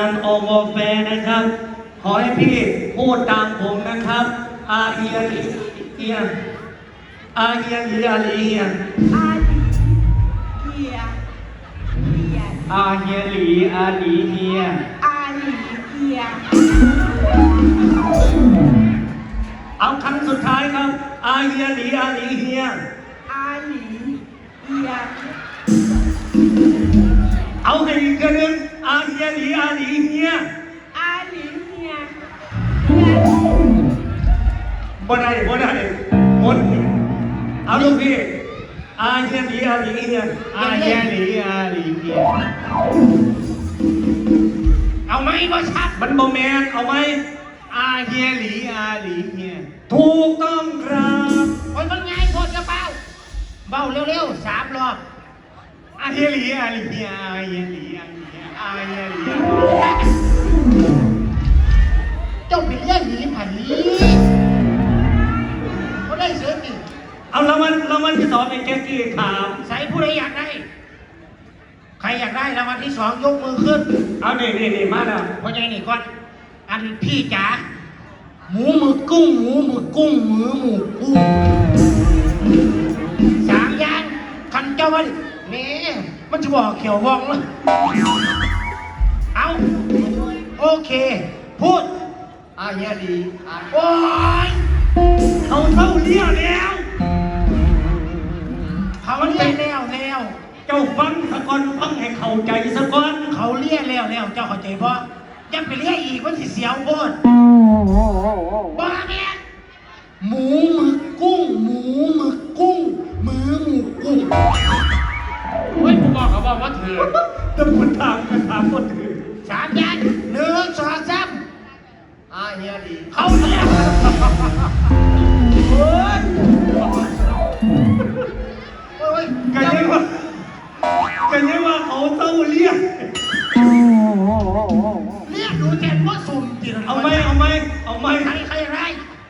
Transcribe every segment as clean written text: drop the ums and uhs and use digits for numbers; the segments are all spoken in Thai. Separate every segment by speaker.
Speaker 1: านอวแฟนะครับขอให้พี่พูดตามผมนะครับอาเอียเอียอาเอียลีอาลีเฮีย
Speaker 2: อาลีเฮียเฮีย
Speaker 1: อาเฮียหลีอาลีเฮีย
Speaker 2: อาลีเฮีย
Speaker 1: เอาครั้งสุดท้ายครับอาเฮียหลีอาลีเฮีย
Speaker 2: อาลีเฮีย
Speaker 1: เอาให้อีกคนหนึ่งอาเฮียหลีอาลีเฮีย
Speaker 2: อาลีเฮีย
Speaker 1: บ่ได้หมดเอาลูกพี่อาเฮียหลีอาลีเฮียอาเฮียหลีอาลีเฮียเอาไหมบ่ชัดมันบ่แมนเอาไหมอาเฮียหลีอาลีเฮียถูกต้องครับ
Speaker 3: โอ้ยมันง่ายโคตรกระเป๋าเบาเร็วๆ3 รอบ
Speaker 1: อาเฮียหลีอาลีเฮียอาเฮียหลีอาลีเฮียอาเฮียหลี
Speaker 3: เจ้าเป็นเรื่องหนีผันนี้เขาได้เสือติ
Speaker 1: เอารางวัลที่2เป็นแจ็คกี้ถาม
Speaker 3: ใส่ผู้ใดอยากได้ใครอยากได้รางวัลที่2ยกมือขึ้น
Speaker 1: เอานี่มาแล้ว
Speaker 3: พ่อใหญ่นี่ก่อนอันพี่จ๋าหมูหมึกกุ้งหมูหมึกกุ้งหมูหมูกุ้ง3 อย่างคันเจ้าวันนี่มันจะบอกเขียววองเลยเอาโอเคพูด
Speaker 1: อาเฮียหลี
Speaker 3: โอ้ย
Speaker 1: เขาเท่าเลี้ยวแล้ว
Speaker 3: เขาเลี้ยแล้ว
Speaker 1: เจ้าฟังสะก่อนฟังให้เข้าใจสะก่อน
Speaker 3: เขาเลี้ยแล้วเจ้าเข้าใจเพราะยังไปเลี้ยอีกมันสิเสียวโคตรบ้าเนี่ยหมูหมึกกุ้งหมูหมึกกุ้งหมูหมูกุ้ง
Speaker 1: เฮ้ยผมบอกเขาบอกว่าถือแต่คุณถามว่าถือ
Speaker 3: 3 อย่าง1 2 3
Speaker 1: อาเฮียหลี
Speaker 3: เขาเลี้ย
Speaker 1: โอ้ยกันยังว่าเขาเต้าเลี้ย
Speaker 3: ดูแกนว่าสุ่มจริง
Speaker 1: เอาไหม
Speaker 3: ใครไร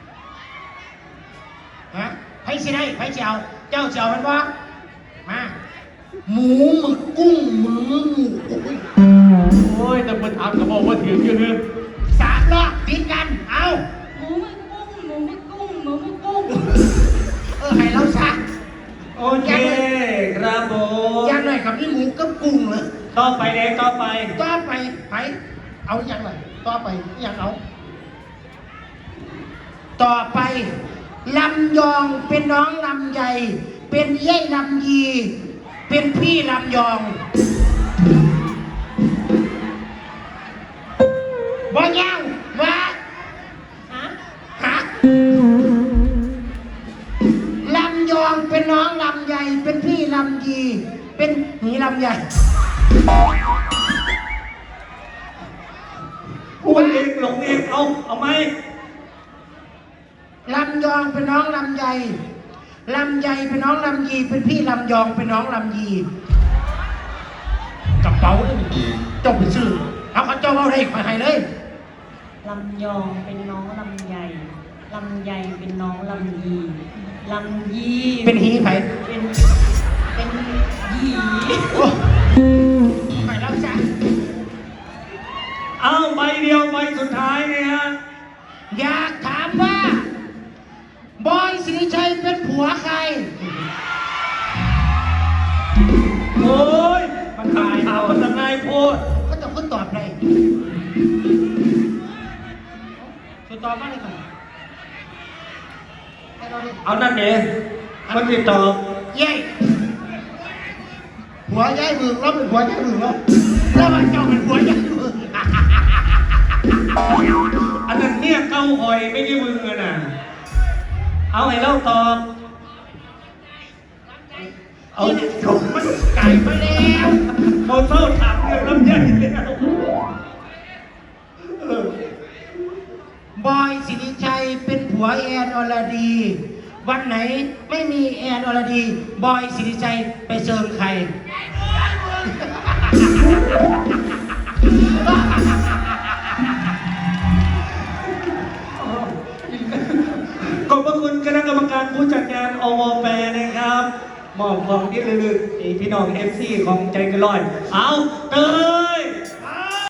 Speaker 3: ฮะใครสิได้ใครเจ้ามันว่ามาหมูหมึกกุ้งหมู
Speaker 1: โอ้ยแต่คนถามเขาบอกว่าถืออยู่นึง
Speaker 3: 3 รอบติดกันเอา
Speaker 2: หมูมึกกุ้ง
Speaker 3: ให้เราซะ
Speaker 1: โอเคครับผม
Speaker 3: ยังหน่อยกับนี่หมูกับกุ้งเลย
Speaker 1: ต่อไป
Speaker 3: ไปเอาอย่างไรต่อไปอย่างเอาต่อไปลำยองเป็นน้องลำใหญ่เป็นเย่ลำยีเป็นพี่ลำยองบ่ยังว่าฮะลำยองเป็นน้องลำใหญ่เป็นพี่ลำยีเป็นหีลำใหญ่
Speaker 1: พูดเองหลงเองเอาไหม
Speaker 3: ลำยองเป็นน้องลำใหญ่เป็นน้องลำยีเป็นพี่ลำยองเป็นน้องลำยีกระเป๋าเจ้าไปซื้อเอาเขาเจ้าเอาได้ขอให้เลย
Speaker 2: ลำยองเป็นน้องลำใหญ่เป็นน้องลำยี
Speaker 3: เป็นหีไผ่
Speaker 2: เป็นยี
Speaker 3: ไปแล้วจ้ะ
Speaker 1: เอาใบเดียวใบสุดท้ายเนี่ยฮะ
Speaker 3: อยากถามว่าบอยสิริชัยเป็นผัวใคร
Speaker 1: โอ้ยมันตายเอาทนายพูด
Speaker 3: ก็จะตอบเลยช่วยตอบมาเลยก่อน
Speaker 1: เอานั่นเองมันติดต่อ
Speaker 3: เย้หัวย้ายมือแล้วเป็นหัวย้ายมือแล้วมันเจ้าเป็นหัวย้ายมือ
Speaker 1: อันนั้นเนี่ยเก้าหอยไม่ใช่มึงเลยนะเอาให้เล่าตอบ
Speaker 3: เอาจบมันไก่ไปแล้ว
Speaker 1: เขาเท่าถามเรื่องลำไยแล้ว
Speaker 3: บอยสิริชัยเป็นผัวแอนอรดีวันไหนไม่มีแอนอรดีบอยสิริชัยไปเชิญใคร
Speaker 1: ขอบพระคุณคณะกรรมการผู้จัดงานอวแฟนะครับมอบของที่ระลึกพี่น้องFCของใจกระลอยเอาเติม